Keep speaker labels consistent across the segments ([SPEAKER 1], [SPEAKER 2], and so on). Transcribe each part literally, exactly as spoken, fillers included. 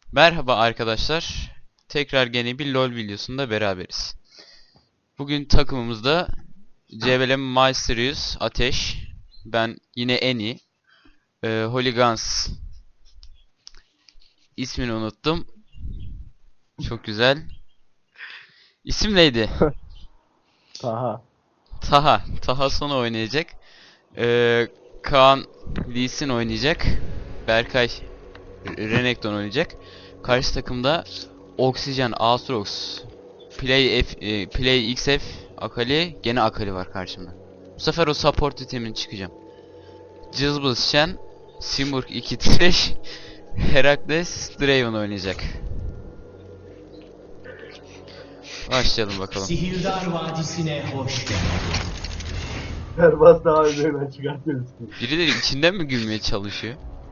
[SPEAKER 1] Merhaba arkadaşlar. Tekrar gene bir LoL videosunda beraberiz. Bugün takımımızda C B L Mysterious Ateş, ben yine Eni, e, Hooligans ismini unuttum. Çok güzel. İsim neydi?
[SPEAKER 2] Taha.
[SPEAKER 1] Taha. Taha Sona oynayacak. E, Kaan Lee Sin oynayacak. Berkay Renekton oynayacak. Karşı takımda Oxygen, Aatrox, Play F, e, Play X F, Akali, gene Akali var karşımda. Bu sefer o support itemini çıkacağım. Cızbız Shen, Simurg iki Thresh, Herakles, Draven oynayacak. Başlayalım bakalım.
[SPEAKER 3] Sihirdar Vadisi'ne hoş geldin.
[SPEAKER 2] Serbaz daha üzerinden çıkartıyorsun.
[SPEAKER 1] Birileri içinden mi gülmeye çalışıyor?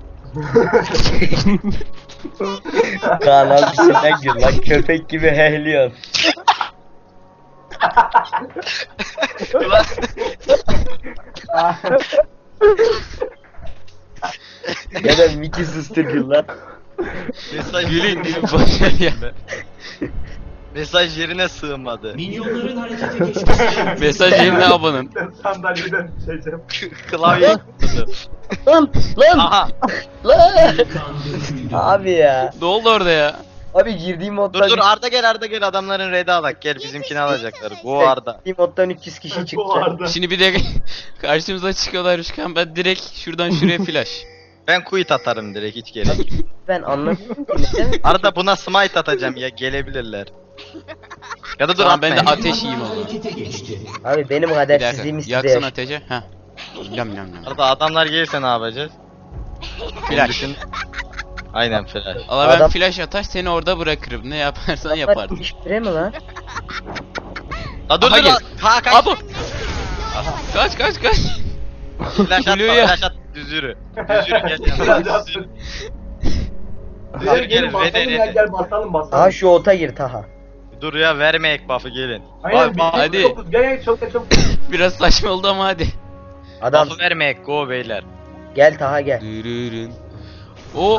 [SPEAKER 4] Kaan abi sen gül lan köpek gibi hehliyor. Ya da Mickey sustur gül lan.
[SPEAKER 5] Mesaj
[SPEAKER 1] Gülün gülün boşver ya.
[SPEAKER 5] Mesaj yerine sığmadı.
[SPEAKER 3] Minyonların harekete geçmesi.
[SPEAKER 1] Mesaj yerine abanın.
[SPEAKER 2] Ben sandalyeden düşeceğim.
[SPEAKER 5] Klavye tuttu.
[SPEAKER 4] Lan lan
[SPEAKER 5] Aha.
[SPEAKER 4] lan.
[SPEAKER 3] Kan döküldü.
[SPEAKER 4] Abi ya.
[SPEAKER 1] Ne oldu orada ya?
[SPEAKER 4] Abi girdiğim moddan
[SPEAKER 5] Dur dur Arda gel Arda gel adamların red'i alak gel bizimkini alacaklar. Bu Arda.
[SPEAKER 4] girdiğim moddan üç yüz kişi
[SPEAKER 2] Bu
[SPEAKER 4] çıkacak.
[SPEAKER 2] arada.
[SPEAKER 1] Şimdi bir de karşımıza çıkıyorlar Rüşkan, ben direkt şuradan şuraya flash.
[SPEAKER 5] Ben quit atarım direkt hiç gerek yok.
[SPEAKER 4] Ben anlamıyorum ki neden?
[SPEAKER 5] Arda buna smite atacağım ya gelebilirler. Ya da dur
[SPEAKER 1] Tamam, ben de
[SPEAKER 5] atmayın.
[SPEAKER 1] ateş yiyeyim o zaman.
[SPEAKER 3] Harekete geçti.
[SPEAKER 4] Abi benim
[SPEAKER 1] Bir dakika,
[SPEAKER 4] kadersizliğimi size
[SPEAKER 1] yaksana
[SPEAKER 4] yaşa.
[SPEAKER 1] ateşe. Heh. Yam yam yam.
[SPEAKER 5] Arda adamlar gelirse ne yapacağız?
[SPEAKER 1] Flash.
[SPEAKER 5] Düşün. Aynen flash.
[SPEAKER 1] Allah, ben
[SPEAKER 4] Adam-
[SPEAKER 1] flash atar seni orada bırakırım. Ne yaparsan yaparsın.
[SPEAKER 4] Müşteri mi lan?
[SPEAKER 5] La dur
[SPEAKER 1] Aha
[SPEAKER 5] dur
[SPEAKER 1] gel.
[SPEAKER 5] la. Ha kaç.
[SPEAKER 1] Abu. Kaç kaç kaç.
[SPEAKER 5] Flash atma
[SPEAKER 1] Blue'ya.
[SPEAKER 5] flash at düz yürü. Düz yürü gel yanına. Düz yürü. Düz
[SPEAKER 2] Gel
[SPEAKER 5] yürü
[SPEAKER 2] gelin
[SPEAKER 5] gel
[SPEAKER 2] basalım
[SPEAKER 5] rede
[SPEAKER 2] ya
[SPEAKER 5] rede.
[SPEAKER 2] gel basalım basalım.
[SPEAKER 4] Aha şu ota gir Taha.
[SPEAKER 5] Dur ya verme ek buff'ı gelin.
[SPEAKER 2] Aynen
[SPEAKER 5] Bak,
[SPEAKER 2] bir
[SPEAKER 5] bak,
[SPEAKER 1] hadi.
[SPEAKER 2] hadi. Gel gel çok çok.
[SPEAKER 1] Biraz saçma oldu ama hadi.
[SPEAKER 4] Adam
[SPEAKER 5] Buff'ı verme ek go beyler.
[SPEAKER 4] gel Taha gel.
[SPEAKER 1] Dürürün. O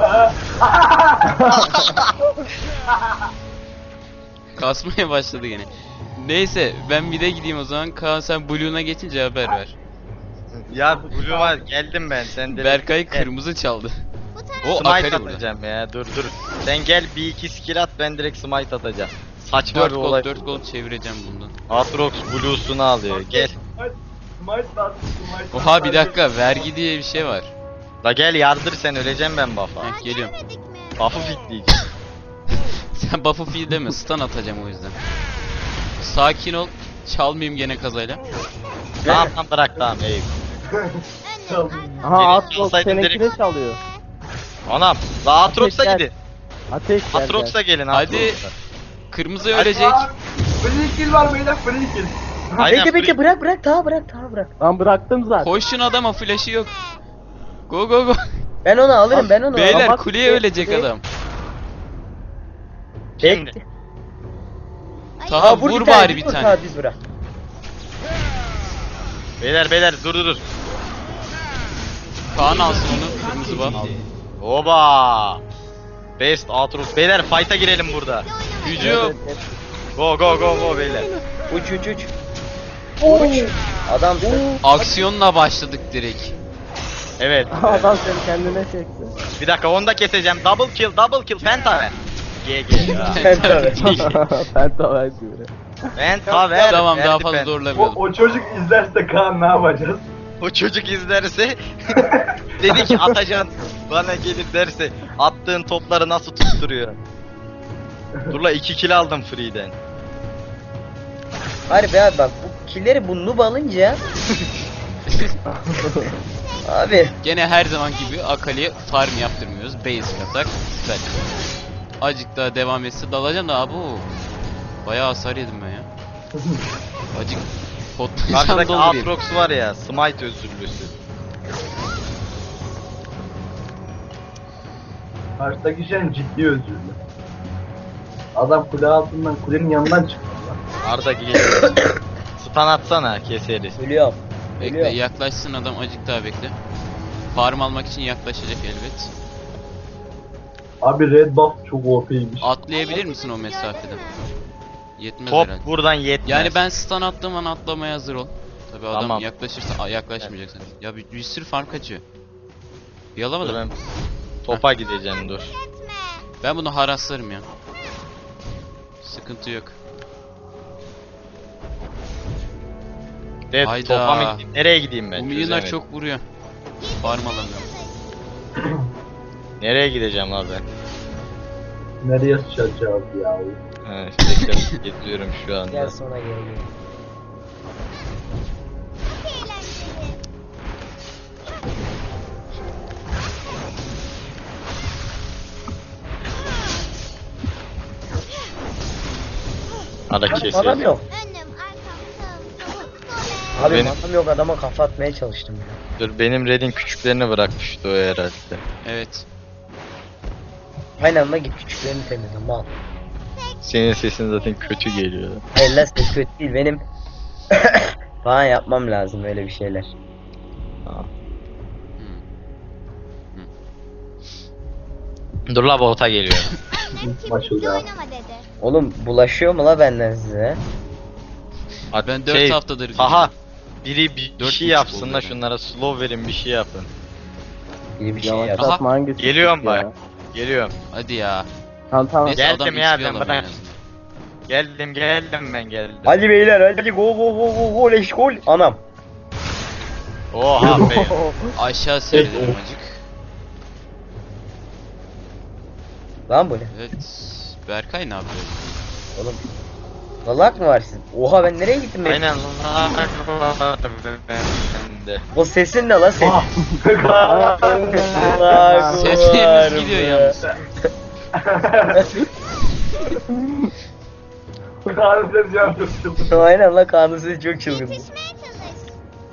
[SPEAKER 1] kasmaya başladı gene. Neyse, ben bir de gideyim o zaman. Kaan, sen Blue'una geçince haber ver.
[SPEAKER 5] Ya Blue var geldim ben sen de.
[SPEAKER 1] Berkay kırmızı çaldı. O
[SPEAKER 5] Smite
[SPEAKER 1] Akali burada.
[SPEAKER 5] atacağım ya dur dur. Sen gel bir iki skill at ben direkt smite atacağım. Saçma
[SPEAKER 1] dört
[SPEAKER 5] bir
[SPEAKER 1] gold
[SPEAKER 5] olay.
[SPEAKER 1] dört gold çevireceğim bundan.
[SPEAKER 5] Aatrox Blue'sunu alıyor gel.
[SPEAKER 2] Smite da at, smite
[SPEAKER 1] Oha, bir
[SPEAKER 2] at.
[SPEAKER 1] dakika, vergi diye bir şey var.
[SPEAKER 5] La gel yardır sen öleceğim ben buff'a.
[SPEAKER 1] Heh, geliyorum.
[SPEAKER 5] Buff'ı fitleyeceğim.
[SPEAKER 1] Sen buff'ı feed deme, stun atacağım o yüzden. Sakin ol. Çalmayayım gene kazayla.
[SPEAKER 5] Tamam tamam bırak tamam ey.
[SPEAKER 2] Tamam.
[SPEAKER 6] Aha
[SPEAKER 5] Gelin,
[SPEAKER 6] Atrox
[SPEAKER 5] çalsaydın
[SPEAKER 6] seninkini
[SPEAKER 5] direkt-
[SPEAKER 6] çalıyor.
[SPEAKER 5] Anam. La Aatrox'a
[SPEAKER 6] Ateş
[SPEAKER 5] gidin.
[SPEAKER 6] Ateş gel.
[SPEAKER 5] Aatrox'a gelin
[SPEAKER 1] Hadi.
[SPEAKER 5] Aatrox'a.
[SPEAKER 1] Kırmızı ölecek.
[SPEAKER 2] Free kill var beyler free kill.
[SPEAKER 5] Aynen,
[SPEAKER 4] Bekle bekle
[SPEAKER 5] free-
[SPEAKER 4] bırak bırak Taha bırak Taha bırak.
[SPEAKER 6] Ben bıraktım zaten.
[SPEAKER 1] Koşun adama, flash'ı yok. Go go go.
[SPEAKER 4] Ben onu alırım ben onu alırım.
[SPEAKER 1] Beyler,
[SPEAKER 6] bak-
[SPEAKER 1] kuleye ölecek adam.
[SPEAKER 5] Şimdi.
[SPEAKER 1] Taha,
[SPEAKER 4] Aa, vur,
[SPEAKER 1] vur
[SPEAKER 4] bir tane,
[SPEAKER 1] bari bir
[SPEAKER 4] vur,
[SPEAKER 1] tane.
[SPEAKER 4] Taha düz bırak.
[SPEAKER 5] Beyler beyler dur dur dur.
[SPEAKER 1] Kaan alsın onu. Kırmızı buff.
[SPEAKER 5] Oba. Best Aatrox. Beyler fight'a girelim burada.
[SPEAKER 1] Hücum.
[SPEAKER 5] Go go go go beyler.
[SPEAKER 4] Uç uç uç. Uç. Adamsın.
[SPEAKER 1] Aksiyonla başladık direkt.
[SPEAKER 5] Evet.
[SPEAKER 6] Adam seni kendine çekti.
[SPEAKER 5] Bir dakika onu da keseceğim. Double kill, double kill. Pentaver. G G ya.
[SPEAKER 4] Sen tabii.
[SPEAKER 6] Pentaver gibi.
[SPEAKER 5] Pentaver.
[SPEAKER 1] Tamam, daha
[SPEAKER 5] verdi
[SPEAKER 1] fazla
[SPEAKER 5] pen.
[SPEAKER 2] O,
[SPEAKER 1] zorlamayalım.
[SPEAKER 2] o çocuk izlerse Kaan ne yapacağız?
[SPEAKER 5] O çocuk izlerse dedi ki Atacan bana gelip derse attığın topları nasıl tutturuyor. Dur la iki kill aldım free'den.
[SPEAKER 4] Harbi abi bak bu killeri bu noob alınca abi
[SPEAKER 1] Gene her zaman gibi Akali'ye farm yaptırmıyoruz. Basic atak. Süper. Acık daha devam etse dalacağım da abi. Bayağı hasar yedim ben ya. Acık potlayacağım
[SPEAKER 5] Karşıdaki
[SPEAKER 1] doldurayım.
[SPEAKER 5] Aatrox var ya smite özürlüsü.
[SPEAKER 2] Karşıdaki şey ciddi özürlü. Adam kule altından kulenin yanından çıktı.
[SPEAKER 5] Arda geliyor. Stun atsana keseriz.
[SPEAKER 4] ölüyorum.
[SPEAKER 1] Bekle,
[SPEAKER 4] Geliyor.
[SPEAKER 1] yaklaşsın adam, acık daha bekle. Farm almak için yaklaşacak elbet.
[SPEAKER 2] Abi red buff çok O P'ymiş.
[SPEAKER 1] Atlayabilir misin o mesafeden? Yetmez
[SPEAKER 5] Top
[SPEAKER 1] herhalde.
[SPEAKER 5] buradan yetmez.
[SPEAKER 1] Yani ben stun attığım an atlamaya hazır ol. Tabi adam
[SPEAKER 5] Tamam.
[SPEAKER 1] yaklaşırsa Aa, yaklaşmayacaksın. Ya bir, bir sürü farm kaçıyor. Bir
[SPEAKER 5] Dur
[SPEAKER 1] alamadım.
[SPEAKER 5] ben topa gideceğim dur.
[SPEAKER 1] Ben bunu haraslarım ya. Sıkıntı yok.
[SPEAKER 5] Evet,
[SPEAKER 1] Hayda.
[SPEAKER 5] topa mı gideyim? Nereye gideyim ben?
[SPEAKER 1] Bu milyonlar
[SPEAKER 5] Çözemedim.
[SPEAKER 1] çok vuruyor. Farm alamıyorum.
[SPEAKER 5] Nereye gideceğim abi ben?
[SPEAKER 2] Nereye sıçacağız ya?
[SPEAKER 5] Ha, işte gidiyorum şu anda.
[SPEAKER 4] Gel sonra geri gel.
[SPEAKER 5] Hadi
[SPEAKER 4] Adam
[SPEAKER 5] kesiyorum.
[SPEAKER 4] yok.
[SPEAKER 7] Önüm, arkam, sağım, solum,
[SPEAKER 4] Abi
[SPEAKER 5] Benim-
[SPEAKER 4] adam yok, adama kafa atmaya çalıştım ya.
[SPEAKER 5] Dur benim Red'in küçüklerini bırakmıştı o herhalde.
[SPEAKER 1] Evet.
[SPEAKER 4] Aynı anda git küçüklerini temizle mal.
[SPEAKER 5] Senin sesin zaten kötü geliyor.
[SPEAKER 4] Hayır lan ses kötü değil benim. Falan yapmam lazım öyle bir şeyler.
[SPEAKER 5] Dur la bota geliyor.
[SPEAKER 7] Annem
[SPEAKER 2] Maçı
[SPEAKER 7] kibritli
[SPEAKER 2] ya.
[SPEAKER 7] oynama dedi.
[SPEAKER 4] Oğlum bulaşıyor mu la benden size?
[SPEAKER 1] Ben dört
[SPEAKER 5] Şey,
[SPEAKER 1] haftadır
[SPEAKER 5] Aha. Biri bir
[SPEAKER 1] Dört
[SPEAKER 5] şey
[SPEAKER 1] buçuk
[SPEAKER 5] yapsın
[SPEAKER 1] oldu
[SPEAKER 5] da
[SPEAKER 1] yani.
[SPEAKER 5] şunlara slow verin bir şey yapın.
[SPEAKER 4] İyi bir şey
[SPEAKER 6] Yavaş
[SPEAKER 4] yap.
[SPEAKER 1] Aha,
[SPEAKER 6] atma hangisi?
[SPEAKER 5] Geliyorum
[SPEAKER 6] ya?
[SPEAKER 5] bak. Geliyorum.
[SPEAKER 1] Hadi ya.
[SPEAKER 6] Tamam tamam.
[SPEAKER 1] Neyse
[SPEAKER 5] Geldim
[SPEAKER 1] adam
[SPEAKER 5] ya,
[SPEAKER 1] X P
[SPEAKER 5] ben
[SPEAKER 1] alamıyor
[SPEAKER 5] bırak.
[SPEAKER 1] en azından.
[SPEAKER 5] Geldim geldim ben geldim.
[SPEAKER 4] Hadi beyler hadi go go go go go leş gol. Anam.
[SPEAKER 5] Oha be.
[SPEAKER 1] Aşağı seyrederim acık.
[SPEAKER 4] Lan bu ne?
[SPEAKER 1] Evet. Berkay ne yapıyor?
[SPEAKER 4] Oğlum. Lalak mı var sizin? Oha ben nereye gittim ben?
[SPEAKER 5] Aynen lan. Ben de.
[SPEAKER 4] O sesin ne lan ses?
[SPEAKER 2] Ah.
[SPEAKER 4] Lag
[SPEAKER 1] Seslerimiz
[SPEAKER 4] var
[SPEAKER 1] gidiyor
[SPEAKER 4] be.
[SPEAKER 1] yalnız.
[SPEAKER 2] Harbiden can çok çılgın.
[SPEAKER 4] Aynen la kanun sesi çok çılgın.
[SPEAKER 7] Yetişmeye çalış.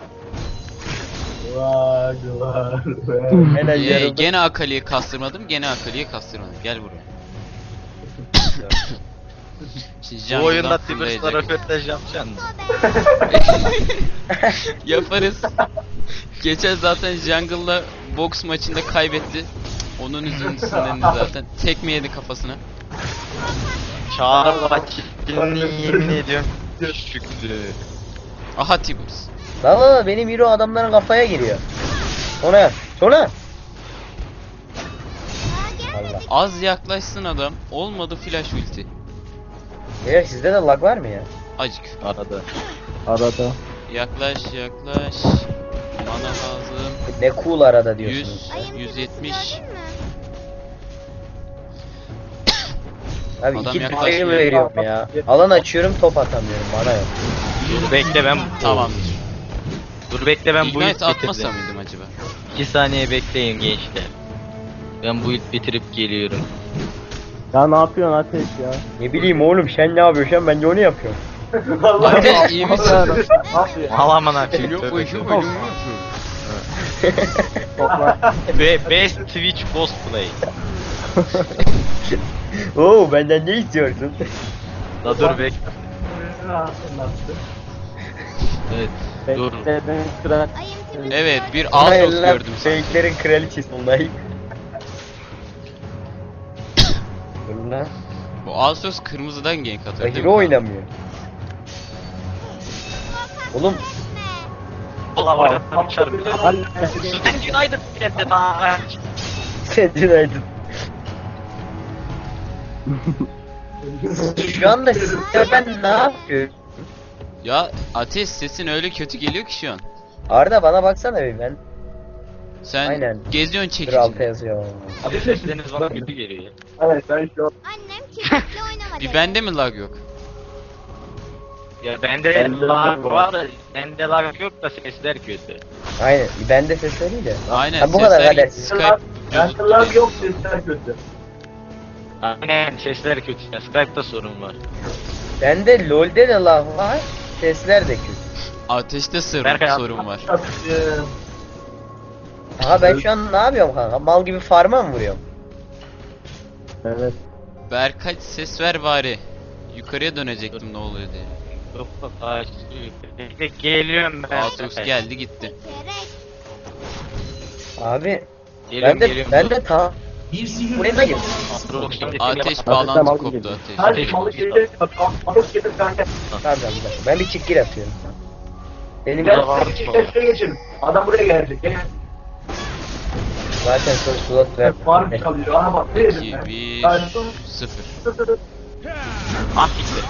[SPEAKER 2] Var var.
[SPEAKER 4] Helal
[SPEAKER 1] Ee,
[SPEAKER 4] yarıldı.
[SPEAKER 1] gene Akali'yi kastırmadım, gene Akali'yi kastırmadım. Gel buraya. Şimdi
[SPEAKER 5] Bu
[SPEAKER 1] jungle'dan
[SPEAKER 5] oyunda
[SPEAKER 1] fırlayacak.
[SPEAKER 5] Tibers'la röportaj yapacaksın.
[SPEAKER 1] Yaparız. Geçen zaten jungle'la box maçında kaybetti. Onun üzüntüsünden de zaten. Tekme yedi kafasına.
[SPEAKER 5] Çağrı vakitini yemin ediyorum. Şükrü.
[SPEAKER 1] Aha Tibbers.
[SPEAKER 4] La la la benim hero adamların kafaya giriyor. Ona yap. Sonra.
[SPEAKER 7] Aa, gelmedi.
[SPEAKER 4] Allah.
[SPEAKER 1] Az yaklaşsın adam. Olmadı flash ulti.
[SPEAKER 4] Beyler sizde de lag var mı ya?
[SPEAKER 1] Acık.
[SPEAKER 5] Arada.
[SPEAKER 6] Arada.
[SPEAKER 1] Yaklaş yaklaş. Mana lazım.
[SPEAKER 4] Ne cool arada diyorsunuz.
[SPEAKER 1] yüz,
[SPEAKER 7] Ayın
[SPEAKER 1] yüz yetmiş.
[SPEAKER 7] gördün mü?
[SPEAKER 4] Abi
[SPEAKER 1] Adam
[SPEAKER 4] iki
[SPEAKER 1] yaklaşmıyor.
[SPEAKER 4] tane veriyorum ya. Alan açıyorum top atamıyorum bana yok.
[SPEAKER 5] Dur bekle ben.
[SPEAKER 1] Tamamdır.
[SPEAKER 5] Dur bekle ben bu ilk
[SPEAKER 1] Ignite atmasa
[SPEAKER 5] bitirdim.
[SPEAKER 1] mıydım acaba?
[SPEAKER 5] iki saniye bekleyin gençler. Ben bu ilk bitirip geliyorum.
[SPEAKER 6] Ya ne yapıyorsun Ateş ya?
[SPEAKER 4] Ne bileyim oğlum sen ne yapıyorsun ben de onu yapıyorum.
[SPEAKER 1] Ateş iyi misin?
[SPEAKER 5] Alaman açayım.
[SPEAKER 1] Yok
[SPEAKER 5] tövbe.
[SPEAKER 1] uyuşum uyuşum.
[SPEAKER 6] Topla.
[SPEAKER 5] Be best Twitch cosplay.
[SPEAKER 4] Oo benden ne istiyorsun?
[SPEAKER 5] La dur bek. Evet. Dur.
[SPEAKER 6] Bekledin kral.
[SPEAKER 7] Ayın kibritli
[SPEAKER 1] Evet bir
[SPEAKER 4] Hayır
[SPEAKER 1] Aatrox
[SPEAKER 4] lan,
[SPEAKER 1] gördüm sanki.
[SPEAKER 4] Fake'lerin kraliçesi vallahi. Dur lan.
[SPEAKER 1] Bu Aatrox kırmızıdan gank atıyor değil mi?
[SPEAKER 4] Hero oynamıyor. Oğlum
[SPEAKER 5] Allah var. Çarpı.
[SPEAKER 6] Hadi.
[SPEAKER 5] United geldi daha.
[SPEAKER 4] sen United. Şu anda size ben ne yapıyorum?
[SPEAKER 1] Ya Ateş sesin öyle kötü geliyor ki şu an.
[SPEAKER 4] Arda bana baksana bir ben.
[SPEAKER 1] Sen
[SPEAKER 4] Aynen.
[SPEAKER 1] geziyorsun
[SPEAKER 4] Dur
[SPEAKER 1] çekici.
[SPEAKER 4] alta yazıyor.
[SPEAKER 5] Sesleriniz bana kötü geliyor.
[SPEAKER 2] Evet ben şu an
[SPEAKER 7] Annem kibritli oynama dedi.
[SPEAKER 1] Bir bende mi lag yok?
[SPEAKER 5] Ya bende lag var da bende lag yok da sesler kötü.
[SPEAKER 4] Aynen ben de ses öyle de.
[SPEAKER 1] Aynen
[SPEAKER 4] Ha, bu kadar
[SPEAKER 1] sesler
[SPEAKER 4] kadersiz.
[SPEAKER 1] Skype
[SPEAKER 2] Yankılar yok sesler kötü.
[SPEAKER 5] Aynen sesler kötü. Ya, Skype'da sorun var.
[SPEAKER 4] Bende LoL'de de lag var. Sesler de kötü.
[SPEAKER 1] Ateşte sorun,
[SPEAKER 5] Berkay,
[SPEAKER 1] sorun var.
[SPEAKER 2] Atışım.
[SPEAKER 4] Aha ben şu an ne yapıyorum kanka? Mal gibi farma mı vuruyorum?
[SPEAKER 6] Evet.
[SPEAKER 1] Berkay ses ver bari. Yukarıya dönecektim ne oluyor diye.
[SPEAKER 5] Yok yok ağaç. Bekle geliyorum ben.
[SPEAKER 1] Aatrox geldi gitti.
[SPEAKER 7] Gerek.
[SPEAKER 4] Abi
[SPEAKER 5] Geliyorum
[SPEAKER 4] ben de
[SPEAKER 5] geliyorum.
[SPEAKER 4] ben de ta
[SPEAKER 3] Bir sihir
[SPEAKER 4] Buraya da gir.
[SPEAKER 1] Ateş
[SPEAKER 6] tamam,
[SPEAKER 1] bağlantı
[SPEAKER 6] tamam,
[SPEAKER 1] koptu
[SPEAKER 6] gidiyor.
[SPEAKER 1] ateş.
[SPEAKER 2] Hadi malı gelir. Malı gelir kanka.
[SPEAKER 4] Tamam tamam. Ben bir çift gir atıyorum. Benim
[SPEAKER 2] Gel şuraya geçelim. Adam buraya gelecek. Gel.
[SPEAKER 4] zaten soru slot ver.
[SPEAKER 2] Var mı çalıyor? Aha bak. Ne
[SPEAKER 1] iki,
[SPEAKER 2] dedim ben?
[SPEAKER 1] bir,
[SPEAKER 2] Hayır.
[SPEAKER 1] sıfır.
[SPEAKER 5] Ah gitti.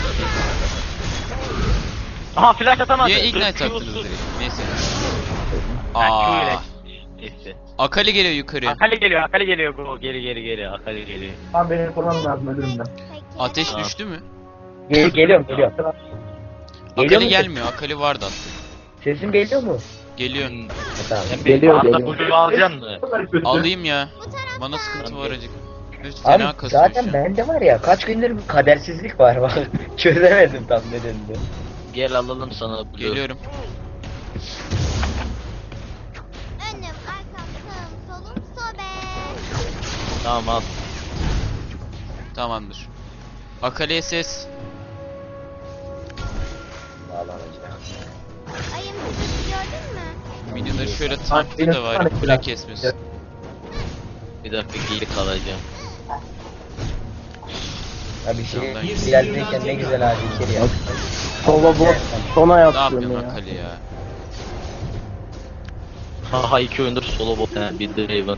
[SPEAKER 5] Aha flash atamadı.
[SPEAKER 1] Niye
[SPEAKER 5] Dur,
[SPEAKER 1] ignite
[SPEAKER 5] Q
[SPEAKER 1] attınız
[SPEAKER 5] sus.
[SPEAKER 1] direkt? Neyse.
[SPEAKER 5] Ha, Q ile.
[SPEAKER 1] Aa,
[SPEAKER 5] Neyse.
[SPEAKER 1] Akali geliyor yukarıya.
[SPEAKER 5] Akali geliyor, Akali geliyor. Go, geri geri geri. Akali geliyor.
[SPEAKER 2] Tamam benim korumam lazım ölürüm ben.
[SPEAKER 7] Peki.
[SPEAKER 1] Ateş
[SPEAKER 5] Tamam.
[SPEAKER 1] düştü mü?
[SPEAKER 4] Gel, geliyorum geliyorum. Geliyor
[SPEAKER 1] Akali
[SPEAKER 4] mu?
[SPEAKER 1] gelmiyor. Akali vardı aslında.
[SPEAKER 4] Sesim geliyor mu?
[SPEAKER 1] Geliyor.
[SPEAKER 4] Tamam.
[SPEAKER 6] Geliyor,
[SPEAKER 5] Hatta
[SPEAKER 6] geliyor.
[SPEAKER 5] Blue'yu alacaksın mı?
[SPEAKER 2] Bunlar kötü.
[SPEAKER 1] Alayım ya.
[SPEAKER 7] Bu taraftan.
[SPEAKER 1] Bana sıkıntı var acık. Üf,
[SPEAKER 4] Abi
[SPEAKER 1] fena kasıyor
[SPEAKER 4] zaten
[SPEAKER 1] şu an.
[SPEAKER 4] bende var ya kaç gündür bir kadersizlik var bak. Çözemedim tam nedenini.
[SPEAKER 5] Gel alalım sana Blue.
[SPEAKER 1] Geliyorum.
[SPEAKER 7] Önüm, arkam, sağım, solum, sobe.
[SPEAKER 5] Tamam al.
[SPEAKER 1] Tamamdır. Akali'ye ses.
[SPEAKER 4] Bağlanacak.
[SPEAKER 7] Ayım sizi gördün mü?
[SPEAKER 1] Minyonları şöyle tanklı da var. Kule kesmesin.
[SPEAKER 5] Bir dakika geri kalacağım.
[SPEAKER 4] Ya bir şey
[SPEAKER 1] Yandan
[SPEAKER 4] ilerlerken ne güzel abi içeri ya.
[SPEAKER 6] Solo bot sona
[SPEAKER 1] Ne
[SPEAKER 6] yapıyorum
[SPEAKER 1] yapıyorsun
[SPEAKER 6] ya.
[SPEAKER 1] Akali ya?
[SPEAKER 5] Haha iki oyundur solo bot he, bir Draven.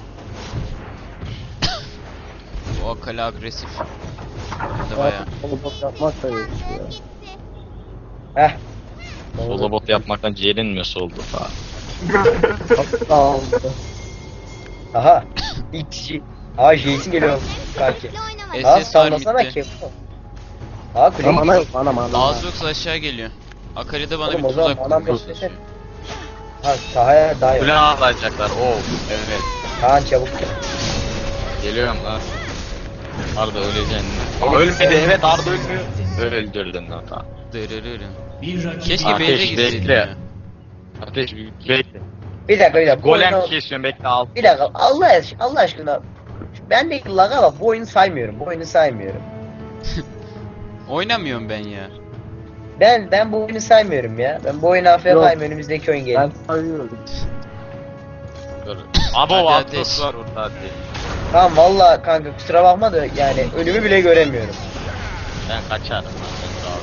[SPEAKER 1] Bu Akali agresif. Hem de baya.
[SPEAKER 6] Solo bot yapmak da yok ya.
[SPEAKER 7] Gitti.
[SPEAKER 4] Heh.
[SPEAKER 5] Solo bot yapmaktan ciğerin mi soldu ha?
[SPEAKER 6] Sağ ol.
[SPEAKER 4] Aha. İlk kişi. Aa Jason geliyor kanki.
[SPEAKER 7] Bekle oynama.
[SPEAKER 1] Es-
[SPEAKER 4] Aa
[SPEAKER 1] S S var
[SPEAKER 4] sallasana
[SPEAKER 1] midde.
[SPEAKER 4] ki. Aa kule
[SPEAKER 6] Bana
[SPEAKER 4] gidiyor.
[SPEAKER 6] yok bana bana.
[SPEAKER 1] Az yoksa aşağı geliyor. Akali de bana
[SPEAKER 4] Oğlum,
[SPEAKER 1] bir
[SPEAKER 4] o zaman
[SPEAKER 1] tuzak
[SPEAKER 4] bana
[SPEAKER 1] kurmaya
[SPEAKER 4] bir
[SPEAKER 1] çalışıyor.
[SPEAKER 4] Ha sahaya daha yok.
[SPEAKER 5] Kule alacaklar. Oo evet.
[SPEAKER 4] Kaan çabuk gel.
[SPEAKER 5] Geliyorum lan. Arda öleceksin. Aa, ölmedi evet Arda ölmüyor. Öldürdün lan tamam.
[SPEAKER 1] Dırırırın.
[SPEAKER 3] Bir rakip
[SPEAKER 1] Keşke
[SPEAKER 5] Ateş,
[SPEAKER 1] Beyze gitseydim
[SPEAKER 5] bekle.
[SPEAKER 1] ya.
[SPEAKER 5] Ateş bekle.
[SPEAKER 4] Bir dakika bir dakika. bu
[SPEAKER 5] Golem
[SPEAKER 4] oyunu-
[SPEAKER 5] kesiyorum bekle al.
[SPEAKER 4] Bir dakika Allah aşkına, Allah aşkına. Ben de laga bak bu oyunu saymıyorum. Bu oyunu saymıyorum.
[SPEAKER 1] Oynamıyorum ben ya.
[SPEAKER 4] Ben ben bu oyunu saymıyorum ya. Ben bu oyunu A F K'yım önümüzdeki oyun
[SPEAKER 6] Ben
[SPEAKER 4] geliyor.
[SPEAKER 6] sayıyorum.
[SPEAKER 5] Dur. Abo
[SPEAKER 1] Hadi
[SPEAKER 5] Atlas
[SPEAKER 1] ateş.
[SPEAKER 5] var orada hadi.
[SPEAKER 4] Tamam valla kanka kusura bakma da yani önümü bile göremiyorum.
[SPEAKER 5] Ben kaçarım lan ben sağ ol.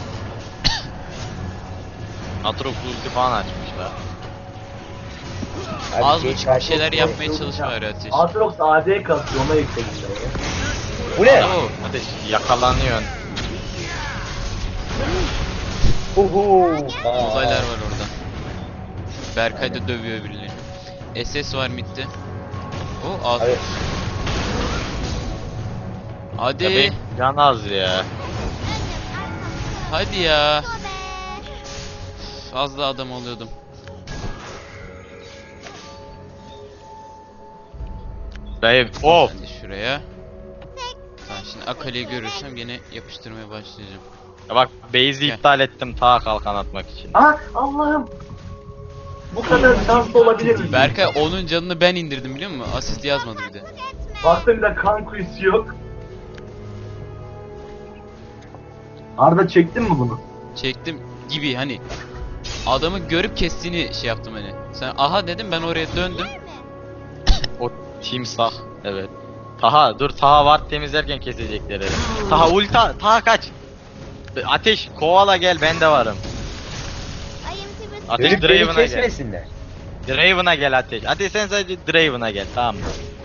[SPEAKER 5] Atrox ulti falan açmışlar.
[SPEAKER 4] Abi
[SPEAKER 1] Az
[SPEAKER 4] şey-
[SPEAKER 1] buçuk bir şeyler yapmaya çalışma bari Ateş.
[SPEAKER 2] Aatrox A D kasıyor ona yükledim ben ya.
[SPEAKER 4] Bu ne?
[SPEAKER 1] Oo,
[SPEAKER 5] Ateş yakalanıyorsun.
[SPEAKER 4] Uhu. Aa.
[SPEAKER 1] uzaylar var orada. Berkay da dövüyor birilerini. S S var midde. O az.
[SPEAKER 4] Abi,
[SPEAKER 1] Hadi.
[SPEAKER 5] Ya benim can az ya.
[SPEAKER 7] Önüm, arkam, sağım,
[SPEAKER 1] Hadi ya.
[SPEAKER 7] sobe.
[SPEAKER 1] Az da adam oluyordum.
[SPEAKER 5] Dayı of.
[SPEAKER 1] Ben de şuraya. Tamam şimdi Akali'yi görürsem gene yapıştırmaya başlayacağım.
[SPEAKER 5] Ya bak base'i
[SPEAKER 1] Gel.
[SPEAKER 5] iptal ettim ta kalkan atmak için.
[SPEAKER 2] Aa Allah'ım. Bu kadar şanslı olabilir mi?
[SPEAKER 1] Berkay onun canını ben indirdim biliyor musun? Asist yazmadı bir de.
[SPEAKER 2] Baktım bir de kan kuyusu yok. Arda çektin mi bunu?
[SPEAKER 1] Çektim gibi hani. Adamı görüp kestiğini şey yaptım hani. Sen aha dedim ben oraya döndüm.
[SPEAKER 5] O timsah. Evet. Taha dur Taha var temizlerken kesecekler herhalde. Taha ulta Taha kaç. Ateş kovala gel ben de varım.
[SPEAKER 7] Ayım sizi
[SPEAKER 5] Ateş
[SPEAKER 4] beni, beni
[SPEAKER 5] Draven'a gel.
[SPEAKER 4] kesmesinler.
[SPEAKER 5] Draven'a gel Ateş. Ateş sen sadece Draven'a gel tamam mı?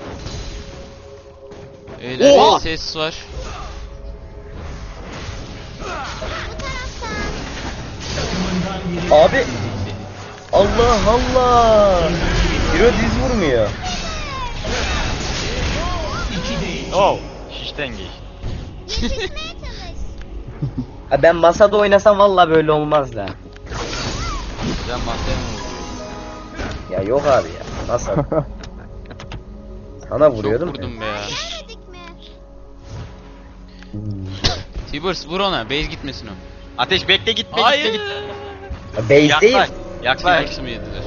[SPEAKER 1] Öyle
[SPEAKER 5] Oha!
[SPEAKER 1] bir ses var.
[SPEAKER 3] takımından biri
[SPEAKER 4] Abi. Allah Allah. Hero diz vurmuyor.
[SPEAKER 3] iki değil.
[SPEAKER 5] Oh şişten geç.
[SPEAKER 7] yetişmeye çalış.
[SPEAKER 4] Ha, ben masada oynasam valla böyle olmaz da.
[SPEAKER 5] Sen masaya mı vuruyorsun?
[SPEAKER 4] Ya yok abi ya. Nasıl? Sana
[SPEAKER 1] Çok
[SPEAKER 4] vuruyordum.
[SPEAKER 1] vurdum be ya.
[SPEAKER 7] Demedik mi?
[SPEAKER 4] Hmm.
[SPEAKER 1] Tibers vur ona. Base gitmesin o.
[SPEAKER 5] Ateş bekle gitme
[SPEAKER 1] Hayır.
[SPEAKER 5] gitme gitme.
[SPEAKER 4] Ha, Base değil.
[SPEAKER 5] Yaklaş. Yaklaş.
[SPEAKER 1] Tibers'ı mı yediler?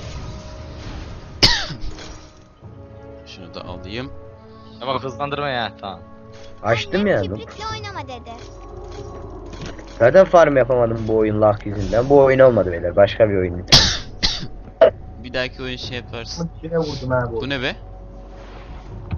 [SPEAKER 1] Şunu da alayım.
[SPEAKER 5] Ama hızlandırma ya tamam.
[SPEAKER 4] Açtım ya.
[SPEAKER 7] Kibritle oynama dedi.
[SPEAKER 4] Zaten farm yapamadım bu oyun lag yüzünden. Bu oyun olmadı beyler. Başka bir oyun.
[SPEAKER 1] Bir dahaki oyun şey yaparsın.
[SPEAKER 2] Yine vurdum ha bu.
[SPEAKER 1] Bu ne be?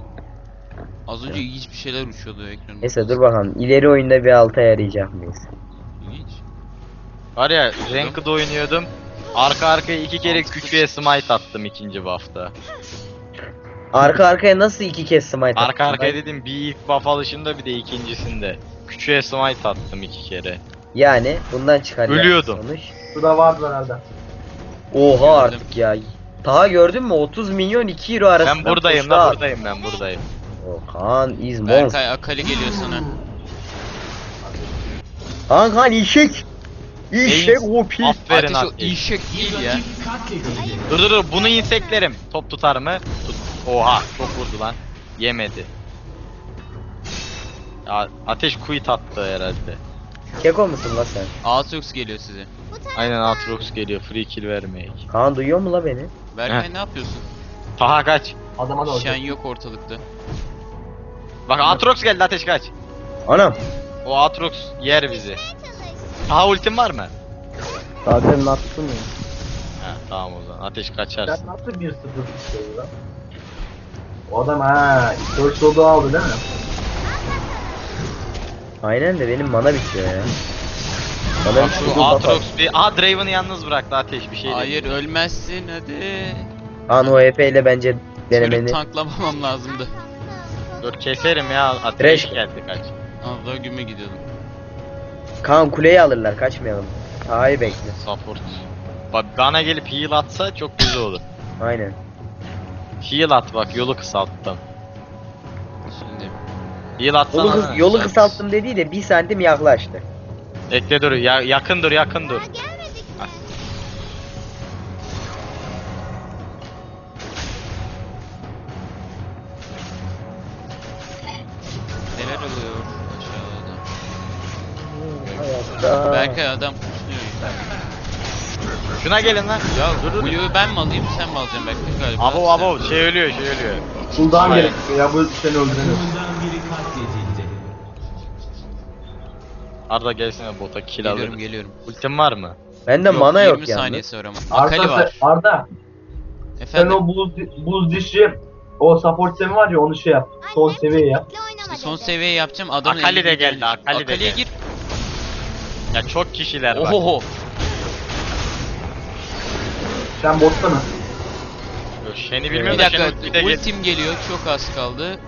[SPEAKER 1] Az önce ilginç bir şeyler uçuyordu ekranın.
[SPEAKER 4] Neyse dur bakalım. İleri oyunda bir alta yarayacak mıyız?
[SPEAKER 1] İlginç.
[SPEAKER 5] Var ya Ranked oynuyordum. Arka arkaya iki kere küçüğe smite attım ikinci buff'ta.
[SPEAKER 4] Arka arkaya nasıl iki kez smite
[SPEAKER 5] Arka
[SPEAKER 4] attın
[SPEAKER 5] arkaya
[SPEAKER 4] lan?
[SPEAKER 5] dedim bir ilk buff alışında bir de ikincisinde. Küçüğe smite attım iki kere.
[SPEAKER 4] Yani bundan çıkaracak
[SPEAKER 5] Ölüyordum.
[SPEAKER 4] sonuç.
[SPEAKER 2] Şurada vardı herhalde.
[SPEAKER 4] Oha
[SPEAKER 1] Gördüm.
[SPEAKER 4] artık ya. Daha gördün mü? otuz milyon iki euro arasında.
[SPEAKER 5] Ben buradayım
[SPEAKER 4] tuşlar.
[SPEAKER 5] la buradayım ben buradayım.
[SPEAKER 4] O Kaan is monster.
[SPEAKER 1] Berkay Akali geliyor sana.
[SPEAKER 4] Kaan Kaan işek. İşek O P.
[SPEAKER 5] Aferin
[SPEAKER 1] Ateş o
[SPEAKER 5] Ateş.
[SPEAKER 1] işek değil ya.
[SPEAKER 3] Rakip katledildi.
[SPEAKER 5] Dur dur dur bunu inseklerim. Top tutar mı? Tut. Oha çok vurdu lan. Yemedi. Ya, ateş quit attı herhalde.
[SPEAKER 4] Keko musun la sen?
[SPEAKER 1] Aatrox geliyor size.
[SPEAKER 7] Bu taraftan.
[SPEAKER 5] Aynen Aatrox geliyor free kill vermeyek.
[SPEAKER 4] Kaan duyuyor mu la beni?
[SPEAKER 1] Berkay
[SPEAKER 5] Heh.
[SPEAKER 1] ne yapıyorsun?
[SPEAKER 5] Taha kaç.
[SPEAKER 2] Adama da
[SPEAKER 1] Şen
[SPEAKER 2] olacak.
[SPEAKER 1] yok ortalıkta.
[SPEAKER 5] Bak Aatrox geldi ateş kaç.
[SPEAKER 4] Anam.
[SPEAKER 5] O Aatrox yer bizi. Taha ultin var mı?
[SPEAKER 6] Zaten attım ya.
[SPEAKER 5] Ha tamam o zaman ateş kaçarsın.
[SPEAKER 2] Sen nasıl bir sıfır tutuyor lan? O adam ha, First Soul'u aldı değil mi?
[SPEAKER 4] Aynen de benim mana bitiyor ya. Bana
[SPEAKER 5] Bak
[SPEAKER 4] bir
[SPEAKER 5] şu
[SPEAKER 4] şey
[SPEAKER 5] Aatrox bir... Aha Draven'ı yalnız bıraktı ateş bir şey
[SPEAKER 1] Hayır
[SPEAKER 5] dedi.
[SPEAKER 1] ölmezsin hadi.
[SPEAKER 4] Kaan o E P ile bence denemeni.
[SPEAKER 1] Çocuk tanklamamam lazımdı.
[SPEAKER 5] Dur keserim ya ateş
[SPEAKER 4] Thresh.
[SPEAKER 5] geldi kaç.
[SPEAKER 1] Allah güme gidiyordum.
[SPEAKER 4] Kaan kuleyi alırlar kaçmayalım. Taha'yı bekle.
[SPEAKER 5] Support. Bak bana gelip heal atsa çok güzel olur.
[SPEAKER 4] Aynen.
[SPEAKER 5] Heal at bak yolu kısalttım.
[SPEAKER 1] Şimdi.
[SPEAKER 5] Heal atsana.
[SPEAKER 4] Yolu, kıs
[SPEAKER 5] lan.
[SPEAKER 4] yolu kısalttım dediği de bir santim yaklaştı.
[SPEAKER 5] Bekle dur ya, yakın dur yakın dur.
[SPEAKER 7] Daha gelmedik mi?
[SPEAKER 1] Neler oluyor aşağıda?
[SPEAKER 4] Hayatta.
[SPEAKER 1] Berkay adam kuşluyor yukarı.
[SPEAKER 5] Şuna gelin lan.
[SPEAKER 1] Ya
[SPEAKER 5] dur dur.
[SPEAKER 1] Blue'yu ben mi alayım sen mi alacaksın Berkay galiba?
[SPEAKER 5] Abo
[SPEAKER 1] Sen-
[SPEAKER 5] abo şey ölüyor şey ölüyor.
[SPEAKER 2] Cooldown
[SPEAKER 5] Hayır.
[SPEAKER 2] gerekiyor ya, bu seni öldüremiyor.
[SPEAKER 3] Takımından biri katledildi.
[SPEAKER 5] Arda gelsene bota kill
[SPEAKER 1] Geliyorum
[SPEAKER 5] alırız.
[SPEAKER 1] geliyorum.
[SPEAKER 5] Ultin var mı?
[SPEAKER 4] Bende mana yok
[SPEAKER 1] yirmi
[SPEAKER 4] yani.
[SPEAKER 1] saniyesi var ama. Akali
[SPEAKER 2] Arda,
[SPEAKER 1] var.
[SPEAKER 2] sen, Arda sen
[SPEAKER 1] Efendim
[SPEAKER 2] o buz, buz dişi, o support semi var ya, onu şey yap. Son
[SPEAKER 7] Annem
[SPEAKER 2] seviye yap.
[SPEAKER 7] çocukla oynama
[SPEAKER 1] son
[SPEAKER 7] dedi.
[SPEAKER 1] seviye yapacağım adamın
[SPEAKER 5] Akali de
[SPEAKER 1] elinde
[SPEAKER 5] geldi,
[SPEAKER 1] gelmiş.
[SPEAKER 5] Akali de
[SPEAKER 1] Akali'ye
[SPEAKER 5] geldi.
[SPEAKER 1] gir.
[SPEAKER 5] Ya çok kişiler var.
[SPEAKER 1] Ohoho.
[SPEAKER 2] Sen botta mı?
[SPEAKER 5] Yok, Shen'i
[SPEAKER 1] Bir
[SPEAKER 5] bilmiyorum da
[SPEAKER 1] dakika
[SPEAKER 5] Shen ulti de gel.
[SPEAKER 1] ultim geliyor çok az kaldı.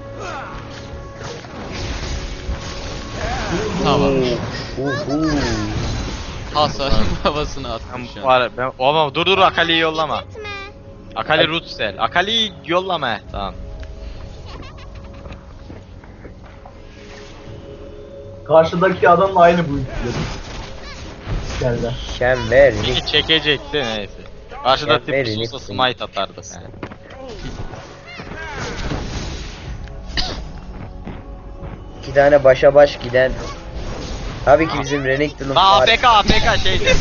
[SPEAKER 1] Tamam.
[SPEAKER 4] Uhu.
[SPEAKER 1] Hasar havasını attım şu
[SPEAKER 5] Ben,
[SPEAKER 1] an.
[SPEAKER 5] var, ben, ama dur dur Akali'yi yollama.
[SPEAKER 7] Gitme.
[SPEAKER 5] Akali root cell. Akali'yi yollama. Tamam.
[SPEAKER 2] Karşıdaki adamla aynı bu ikili. Geldi.
[SPEAKER 4] Şen ver.
[SPEAKER 5] Peki çekecekti neyse. Karşıda
[SPEAKER 4] Ya,
[SPEAKER 5] tip
[SPEAKER 4] verin,
[SPEAKER 5] olsa
[SPEAKER 4] lütfen.
[SPEAKER 5] smite atardı. Yani.
[SPEAKER 4] İki tane başa baş giden. Tabii ki bizim Renekton'un
[SPEAKER 5] Aa A
[SPEAKER 4] far-
[SPEAKER 5] F K A F K şeydi.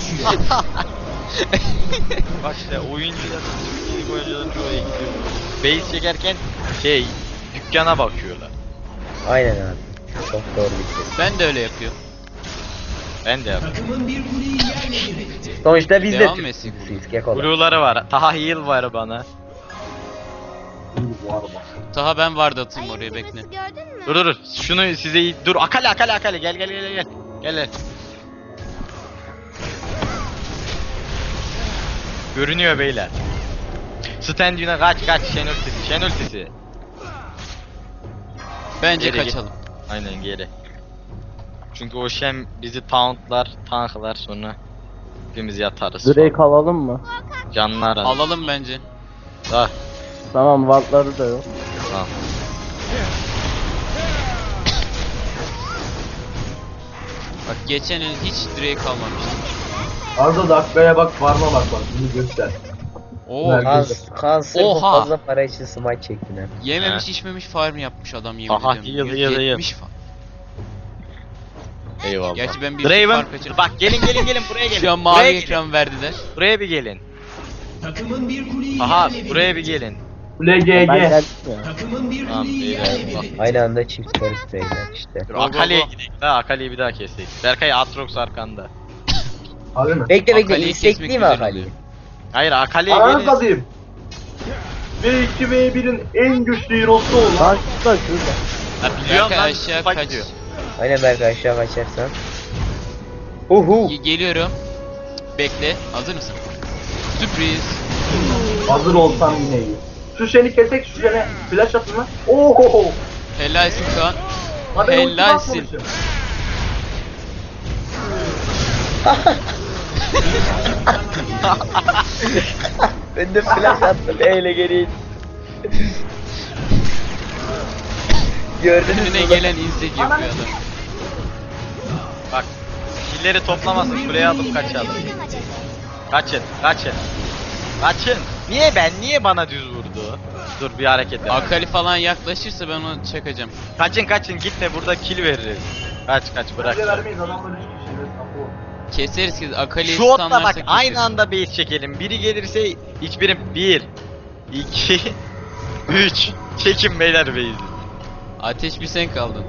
[SPEAKER 5] Bak işte oyuncular, ilk oyuncuların çoğu iyi gidiyor. Base çekerken şey dükkana bakıyorlar.
[SPEAKER 4] Aynen abi. Çok doğru bir şey.
[SPEAKER 1] Ben de öyle yapıyorum.
[SPEAKER 5] Ben de yapıyorum.
[SPEAKER 3] Takımın bir kuleyi yerle bir etti.
[SPEAKER 4] Sonuçta biz de
[SPEAKER 1] Devam
[SPEAKER 4] Türk
[SPEAKER 1] etsin.
[SPEAKER 4] Türk'üyüz, Keko'da.
[SPEAKER 5] Blue'ları var. Taha heal var bana.
[SPEAKER 2] Bu araba.
[SPEAKER 1] Taha ben vardı atayım oraya
[SPEAKER 7] Ayım
[SPEAKER 1] bekle.
[SPEAKER 7] kızısı gördün mü?
[SPEAKER 5] Dur dur dur. Şunu size dur. Akali Akali Akali gel gel gel gel. Gel gel. Görünüyor beyler. Stand yine kaç kaç Shen ultisi Shen ultisi.
[SPEAKER 1] Bence
[SPEAKER 5] Geri git.
[SPEAKER 1] kaçalım.
[SPEAKER 5] Aynen geri. Çünkü o Shen bizi tauntlar, tanklar sonra hepimiz yatarız.
[SPEAKER 6] Drake alalım mı?
[SPEAKER 5] Canlar al.
[SPEAKER 1] Alalım bence.
[SPEAKER 5] Ah,
[SPEAKER 6] Tamam wardları da yok.
[SPEAKER 5] tamam.
[SPEAKER 1] Bak geçen el hiç direği kalmamıştı.
[SPEAKER 2] Arda dakikaya bak, varma bak bak, bunu göster.
[SPEAKER 1] Oo
[SPEAKER 2] Ver.
[SPEAKER 4] Kan, kan sırf bu
[SPEAKER 1] Oha.
[SPEAKER 4] fazla para için smite çektin ha.
[SPEAKER 1] yememiş
[SPEAKER 5] He.
[SPEAKER 1] içmemiş farm yapmış adam yemin
[SPEAKER 5] Aha,
[SPEAKER 1] ediyorum.
[SPEAKER 5] yıl, yıl, yıl.
[SPEAKER 1] yüz yetmiş farm.
[SPEAKER 5] Eyvallah.
[SPEAKER 1] Gerçi ben bir
[SPEAKER 5] Draven
[SPEAKER 1] farm kaçırdım.
[SPEAKER 5] bak gelin gelin gelin buraya gelin.
[SPEAKER 1] Şu an
[SPEAKER 5] buraya
[SPEAKER 1] mavi
[SPEAKER 5] gelin.
[SPEAKER 1] ekran verdiler.
[SPEAKER 5] Buraya bir gelin.
[SPEAKER 3] Takımın bir kuleyi
[SPEAKER 5] Aha
[SPEAKER 3] yerle bir
[SPEAKER 5] buraya bir
[SPEAKER 3] etti.
[SPEAKER 5] gelin.
[SPEAKER 2] Kule
[SPEAKER 6] Ben
[SPEAKER 2] G G.
[SPEAKER 6] geldim ya.
[SPEAKER 3] Takımın bir
[SPEAKER 5] Tamam,
[SPEAKER 3] kuleyi
[SPEAKER 5] iyi,
[SPEAKER 3] yerle bir
[SPEAKER 5] eyvallah.
[SPEAKER 3] etti.
[SPEAKER 4] Aynı anda çift karış beyler işte.
[SPEAKER 5] Dur,
[SPEAKER 1] Go, go,
[SPEAKER 5] Akali'ye
[SPEAKER 1] go.
[SPEAKER 5] gidelim daha Akali'yi bir daha kesek. Berkay Aatrox arkanda.
[SPEAKER 2] Abi mi?
[SPEAKER 4] Bekle bekle
[SPEAKER 1] Akali'yi
[SPEAKER 4] istek
[SPEAKER 1] kesmek
[SPEAKER 4] değil mi
[SPEAKER 1] güzel
[SPEAKER 4] Akali'yi?
[SPEAKER 1] oluyor.
[SPEAKER 5] Hayır Akali'ye
[SPEAKER 2] Ananı
[SPEAKER 5] gelin.
[SPEAKER 2] satayım. ve iki ve bir'in en güçlü hero'su olan
[SPEAKER 6] Lan şurada şurada.
[SPEAKER 5] Ha biliyorum
[SPEAKER 1] Berkay
[SPEAKER 5] lan.
[SPEAKER 1] aşağı
[SPEAKER 5] Spike
[SPEAKER 1] kaç.
[SPEAKER 5] diyor.
[SPEAKER 4] Aynen Berkay aşağı kaçarsan. Uhu.
[SPEAKER 1] Ge- Geliyorum. Bekle. Hazır mısın? Sürpriz.
[SPEAKER 2] hazır olsam yine iyi. Şu seni kesek, şu sene flash atın lan. Oho!
[SPEAKER 1] Helalsin Kaan.
[SPEAKER 2] Ha ben ulti
[SPEAKER 1] Helalsin.
[SPEAKER 2] basmamışım.
[SPEAKER 4] Ben de flash attım eyle geri. Gördünüz mü?
[SPEAKER 1] Önüne
[SPEAKER 4] lan?
[SPEAKER 1] gelen insek yapıyor adam.
[SPEAKER 5] Bak. Killeri toplamasın kuleye alıp kaçalım.
[SPEAKER 7] Oynama dedi.
[SPEAKER 5] Kaçın, kaçın. Kaçın. Niye ben? Niye bana düz vurdu? Dur bir hareket yap.
[SPEAKER 1] Akali falan yaklaşırsa ben onu çakacağım.
[SPEAKER 5] Kaçın kaçın gitme burada kill veririz. Kaç kaç bırak.
[SPEAKER 2] Bize vermeyiz, adamlar üç kişi. Evet, apo.
[SPEAKER 1] Keseriz ki Akali'yi
[SPEAKER 5] Şu otla
[SPEAKER 1] stunlarsak
[SPEAKER 5] bak
[SPEAKER 1] keseriz.
[SPEAKER 5] aynı anda base çekelim. Biri gelirse hiçbirim bir, iki, üç. Çekin beyler base'i.
[SPEAKER 1] Ateş bir sen kaldın.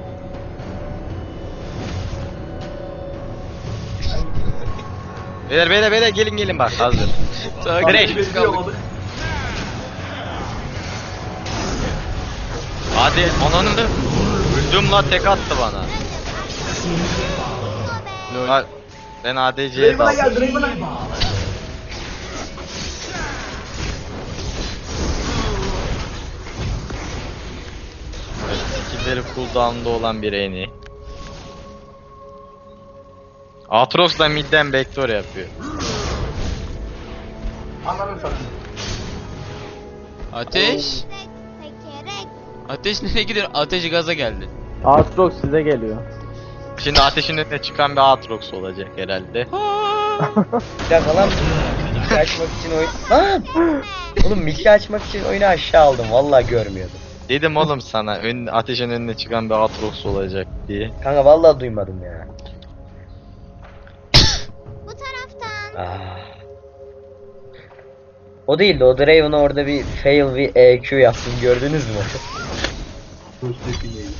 [SPEAKER 5] Beyler beyler beyler gelin gelin bak hazır.
[SPEAKER 1] Takip
[SPEAKER 5] Direkt.
[SPEAKER 1] biz kaldık.
[SPEAKER 5] Hadi ananı da öldüm la tek attı bana.
[SPEAKER 1] Lol.
[SPEAKER 5] Ha, ben A D C'ye
[SPEAKER 2] Draven'a
[SPEAKER 5] daldım.
[SPEAKER 2] gel, Draven'a.
[SPEAKER 5] Skill'leri cooldown'da olan bir eni. Aatrox da midden backdoor yapıyor.
[SPEAKER 2] Ananı satayım.
[SPEAKER 1] Ateş.
[SPEAKER 7] Tekerek.
[SPEAKER 1] Ateş nereye gidiyor? Ateş gaza geldi.
[SPEAKER 6] Aatrox size geliyor.
[SPEAKER 5] Şimdi ateşin önüne çıkan bir Aatrox olacak herhalde.
[SPEAKER 4] Bir dakika lan. Miki açmak için oyun... Lan! Oğlum Miki açmak için oyunu aşağı aldım. Vallahi görmüyordum.
[SPEAKER 5] Dedim oğlum sana ön, ateşin önüne çıkan bir Aatrox olacak diye.
[SPEAKER 4] Kanka vallahi duymadım ya.
[SPEAKER 7] Bu taraftan.
[SPEAKER 4] Ah. O değil de o Draven orada bir fail bir E Q yaptım, gördünüz mü?
[SPEAKER 2] Dur, sesini iyi.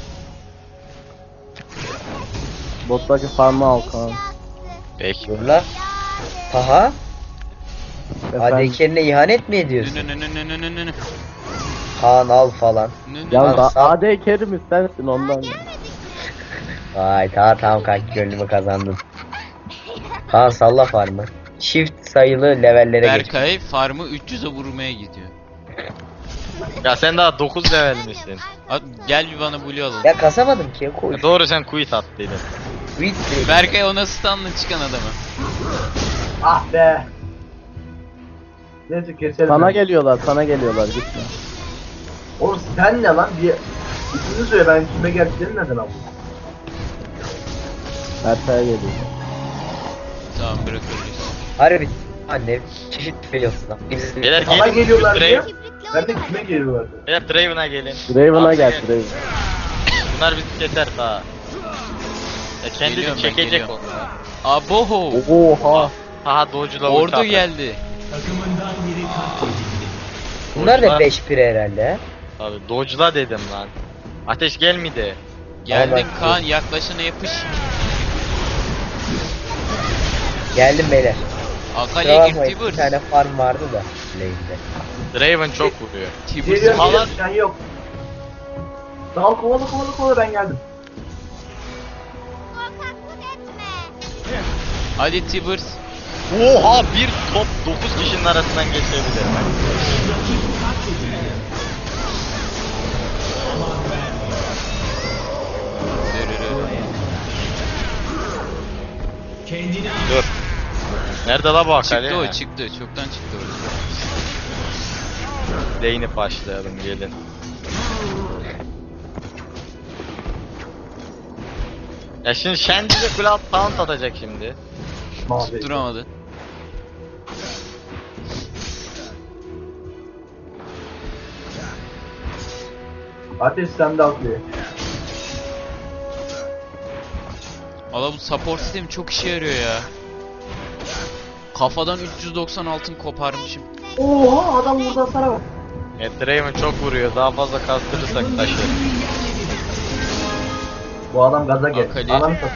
[SPEAKER 6] Bottaki farmı al Kaan.
[SPEAKER 5] Peki.
[SPEAKER 4] Dur la. Taha,
[SPEAKER 6] Efendim.
[SPEAKER 4] A D K'lerine ihanet mi ediyorsun?
[SPEAKER 1] Nü nü nü nü nü nü nü nü.
[SPEAKER 4] Kaan al falan.
[SPEAKER 1] Nü nü.
[SPEAKER 6] Ya
[SPEAKER 4] Lan
[SPEAKER 6] da
[SPEAKER 4] sağ-
[SPEAKER 6] A D Kerim sensin ondan.
[SPEAKER 4] Vay tamam tamam kanki, gönlümü kazandın. Kaan salla farmı. Çift sayılı levellere geç.
[SPEAKER 1] Berkay farmı üç yüze vurmaya gidiyor.
[SPEAKER 5] Ya sen daha dokuz level misin?
[SPEAKER 1] At, gel bir bana blue alalım.
[SPEAKER 4] Ya kasamadım ki, koy.
[SPEAKER 5] Ya doğru sen quit attıydın.
[SPEAKER 4] Quit.
[SPEAKER 1] Berkay ona stunla çıkan adamı.
[SPEAKER 2] Ah be. Neyse keselim.
[SPEAKER 6] Sana geliyorlar, sana geliyorlar gitme.
[SPEAKER 2] Oğlum sen ne lan? Bir ismini söyle, ben kime geldiklerini neden aldım?
[SPEAKER 6] Berkay'a geliyor.
[SPEAKER 1] Tamam bırakırız.
[SPEAKER 4] Harbi. Anne çeşit failsın lan. Biz-
[SPEAKER 5] Beyler
[SPEAKER 2] Bana
[SPEAKER 5] gelin.
[SPEAKER 2] geliyorlar diye.
[SPEAKER 5] Draven,
[SPEAKER 7] Kibritle
[SPEAKER 2] Ben de
[SPEAKER 7] oynama
[SPEAKER 2] kime
[SPEAKER 7] dedi.
[SPEAKER 2] geliyorlar?
[SPEAKER 5] beyler Draven'a gelin.
[SPEAKER 6] Draven'a
[SPEAKER 5] Abi
[SPEAKER 6] gel
[SPEAKER 5] gel.
[SPEAKER 6] Draven.
[SPEAKER 5] Bunlar bizi keser daha. Ya kendini
[SPEAKER 1] Geliyorum ben,
[SPEAKER 5] çekecek
[SPEAKER 1] geliyorum.
[SPEAKER 5] onlar.
[SPEAKER 1] Aboho.
[SPEAKER 6] Oha.
[SPEAKER 5] Aha dodge'la ulti
[SPEAKER 1] Ordu
[SPEAKER 5] atar.
[SPEAKER 1] geldi.
[SPEAKER 3] Takımından biri katledildi.
[SPEAKER 4] Bunlar da
[SPEAKER 5] Boşlar.
[SPEAKER 4] beş pire herhalde.
[SPEAKER 5] Abi dodge'la dedim lan. Ateş gelmedi.
[SPEAKER 1] Geldin
[SPEAKER 4] Allah
[SPEAKER 1] Kaan yaklaşana yapış.
[SPEAKER 4] Geldim beyler.
[SPEAKER 1] Akali'ye
[SPEAKER 4] Kusura
[SPEAKER 1] gir
[SPEAKER 4] bakmayın, bir
[SPEAKER 1] Tibur.
[SPEAKER 4] tane farm vardı da. Lane'de.
[SPEAKER 5] Draven çok vuruyor.
[SPEAKER 1] Tibur
[SPEAKER 2] Geliyorum,
[SPEAKER 5] Alan-
[SPEAKER 2] geliyorum, sen yok. Dal kovalı kovalı kovalı, ben geldim.
[SPEAKER 7] Korkaklık etme.
[SPEAKER 1] Hadi Tibur.
[SPEAKER 5] Oha bir top dokuz kişinin arasından geçebilir.
[SPEAKER 3] Rakip katledildi. Kendini
[SPEAKER 5] Dur. Nerede la bu Akali?
[SPEAKER 1] Çıktı o çıktı. Çoktan çıktı orada.
[SPEAKER 5] Lane'i başlayalım gelin. Ya şimdi Shen bize Cloud Taunt atacak şimdi.
[SPEAKER 2] Mavi.
[SPEAKER 1] Duramadı.
[SPEAKER 2] Ateş sende atlıyor.
[SPEAKER 1] Valla bu support sistemi çok işe yarıyor ya. Kafadan üç yüz doksan altın koparmışım.
[SPEAKER 2] Oha, adam burada sana bak.
[SPEAKER 5] E, Draven çok vuruyor. Daha fazla kastırırsak taşı.
[SPEAKER 2] Bu adam gaza gel.
[SPEAKER 1] Akali.
[SPEAKER 2] Ananı satayım.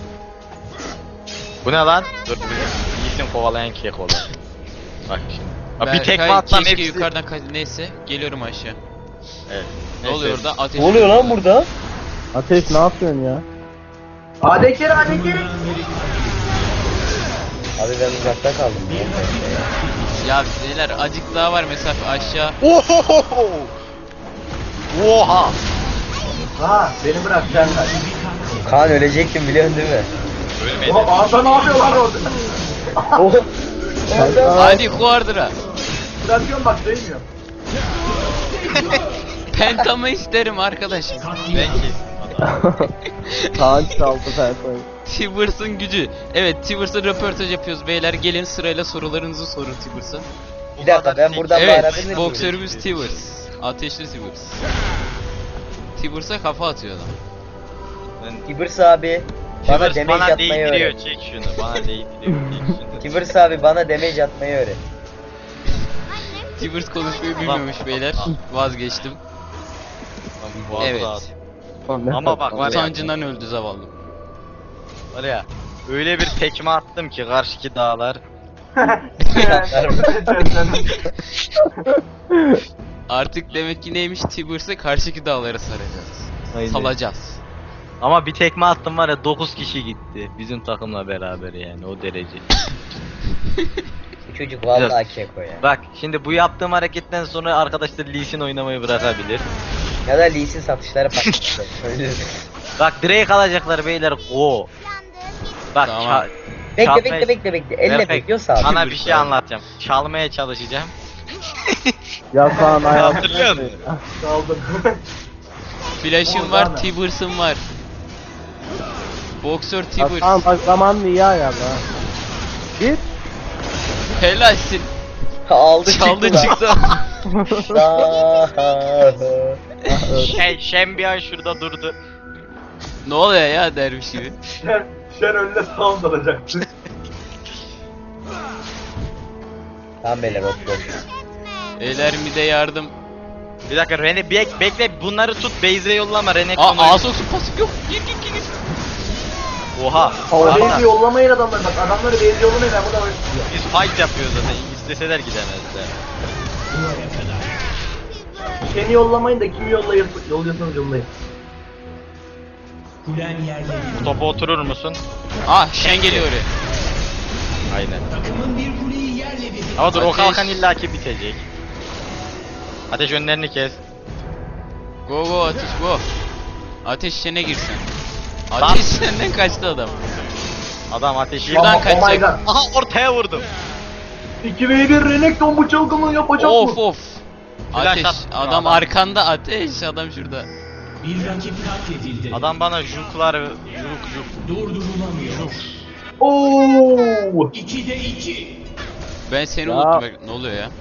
[SPEAKER 5] Bu ne lan? Dur bir iyisin kovalayan kek olan. Bak şimdi. Ya bir
[SPEAKER 1] Berkay,
[SPEAKER 5] tekme atsam
[SPEAKER 1] keşke
[SPEAKER 5] hepsi.
[SPEAKER 1] yukarıdan kaç neyse geliyorum aşağı.
[SPEAKER 5] Evet.
[SPEAKER 1] Ne
[SPEAKER 5] Neyse.
[SPEAKER 1] oluyor orada? Ateş.
[SPEAKER 4] Ne oluyor lan burada?
[SPEAKER 6] Ateş ne yapıyorsun ya?
[SPEAKER 2] Adekleri adekleri.
[SPEAKER 3] Takımından biri katledildi.
[SPEAKER 4] Abi ben uzakta kaldım.
[SPEAKER 1] Ya beyler acık daha var mesafe aşağı.
[SPEAKER 5] Ohohoho! Oha!
[SPEAKER 2] Ha beni bırak sen kaç.
[SPEAKER 4] Kaan ölecektim biliyorsun değil mi?
[SPEAKER 5] Ölmedi.
[SPEAKER 2] Oha Arda ne yapıyor lan orada?
[SPEAKER 4] Oh. Orada.
[SPEAKER 1] Hadi Quadra.
[SPEAKER 2] Bırakıyorum bak değmiyor.
[SPEAKER 1] Pentamı isterim arkadaşım.
[SPEAKER 5] Belki.
[SPEAKER 6] Kaan çaldı Fersoy.
[SPEAKER 1] Tibers'ın gücü. Evet, Tibers'a röportaj yapıyoruz beyler. Gelin sırayla sorularınızı sorun Tibers'a.
[SPEAKER 4] Bir dakika ben buradan
[SPEAKER 1] Evet,
[SPEAKER 4] bağırabilir miyim?
[SPEAKER 1] boksörümüz Tibers. Ateşli Tibers. Tibers'a kafa atıyor adam.
[SPEAKER 4] Tibers abi bana
[SPEAKER 5] Tibers
[SPEAKER 4] damage
[SPEAKER 5] bana
[SPEAKER 4] atmayı
[SPEAKER 5] değdiriyor,
[SPEAKER 4] öğret.
[SPEAKER 5] çek şunu. Bana değdiriyor, çek şunu.
[SPEAKER 4] Tibers abi bana damage atmayı öğret.
[SPEAKER 1] Tibers konuşmayı bilmiyormuş beyler. Vazgeçtim.
[SPEAKER 5] Boğazı
[SPEAKER 1] Evet.
[SPEAKER 5] rahat. Ama bak var ya,
[SPEAKER 1] Utancından öldü zavallı.
[SPEAKER 5] var ya, öyle bir tekme attım ki karşıki dağlar.
[SPEAKER 1] Artık demek ki neymiş, Tibers'ı karşıki dağlara saracağız.
[SPEAKER 5] Aynen.
[SPEAKER 1] Salacağız.
[SPEAKER 5] Ama bir tekme attım var ya, dokuz kişi gitti. Bizim takımla beraber yani, o derece.
[SPEAKER 4] Bu çocuk vallahi keko ya.
[SPEAKER 5] Bak şimdi bu yaptığım hareketten sonra arkadaşlar Lee Sin oynamayı bırakabilir.
[SPEAKER 4] Ya da Lee Sin satışları patladı. Öyle.
[SPEAKER 5] Bak Drake alacaklar beyler, go. Bak
[SPEAKER 1] Tamam.
[SPEAKER 5] ça-
[SPEAKER 4] Bekle
[SPEAKER 5] çalmaya-
[SPEAKER 4] bekle bekle bekle. Elle
[SPEAKER 5] Berkay,
[SPEAKER 4] bekliyorsa abi.
[SPEAKER 5] sana bir şey anlatacağım. Çalmaya çalışacağım.
[SPEAKER 6] Ya Kaan ayağım.
[SPEAKER 5] Hatırlıyor musun?
[SPEAKER 2] Kaldım.
[SPEAKER 1] Flash'ım
[SPEAKER 2] Oradan
[SPEAKER 1] var,
[SPEAKER 2] da.
[SPEAKER 1] Tibers'ım var. Boksör
[SPEAKER 6] Ya
[SPEAKER 1] Tibers.
[SPEAKER 6] Kaan bak zamanını iyi ayarla ha. Git.
[SPEAKER 1] Helalsin.
[SPEAKER 4] Aldı
[SPEAKER 1] Çaldı
[SPEAKER 4] çıktı.
[SPEAKER 1] çıktı.
[SPEAKER 5] Şey, Şembiyan şurada durdu.
[SPEAKER 1] Ne oluyor ya derviş gibi?
[SPEAKER 2] Şen, Şen önüne sound alacaktı.
[SPEAKER 4] Tamam beyler otur.
[SPEAKER 1] Beyler mi de yardım.
[SPEAKER 5] Bir dakika Rene bek bekle, bunları tut, base'e yollama Rene.
[SPEAKER 1] Aa Asok'sun pasif yok. Gir gir gir. gir.
[SPEAKER 5] Oha.
[SPEAKER 2] Base'i
[SPEAKER 5] Valla,
[SPEAKER 2] yollamayın adamları bak adamları base'i yollamayın ben burada oynayacağım.
[SPEAKER 5] biz fight yapıyoruz zaten. İsteseler gidemezler.
[SPEAKER 2] Şen'i yollamayın da kimi yollayın, yolluyorsanız yollayın.
[SPEAKER 3] Kulen yerle
[SPEAKER 5] Bu topa oturur musun?
[SPEAKER 1] Ah Shen geliyor oraya.
[SPEAKER 5] Aynen.
[SPEAKER 3] takımın bir kuleyi yerle bir.
[SPEAKER 5] Ama dur, o
[SPEAKER 1] Ateş.
[SPEAKER 5] kalkan illaki bitecek. Ateş önlerini kes.
[SPEAKER 1] Go go ateş go. Ateş Shen'e girsin.
[SPEAKER 5] Lan.
[SPEAKER 1] Ateş Shen'den kaçtı adam.
[SPEAKER 5] Adam ateşi.
[SPEAKER 1] Şuradan
[SPEAKER 2] Oh, oh my
[SPEAKER 1] kaçacak.
[SPEAKER 2] god.
[SPEAKER 5] Aha, ortaya vurdum.
[SPEAKER 2] iki ve bir Renekton bu çılgınlığı yapacak
[SPEAKER 1] Of
[SPEAKER 2] mı?
[SPEAKER 1] of.
[SPEAKER 5] Flash
[SPEAKER 1] Ateş.
[SPEAKER 5] attı
[SPEAKER 1] Adam
[SPEAKER 5] adam.
[SPEAKER 1] arkanda ateş. Adam şurada.
[SPEAKER 3] Bir rakip katledildi.
[SPEAKER 5] Adam bana juklar, juk juk.
[SPEAKER 3] Durdurulamıyor.
[SPEAKER 2] Oo!
[SPEAKER 3] ikide iki.
[SPEAKER 1] Ben seni
[SPEAKER 6] Ya.
[SPEAKER 1] unuttum. Ne oluyor ya?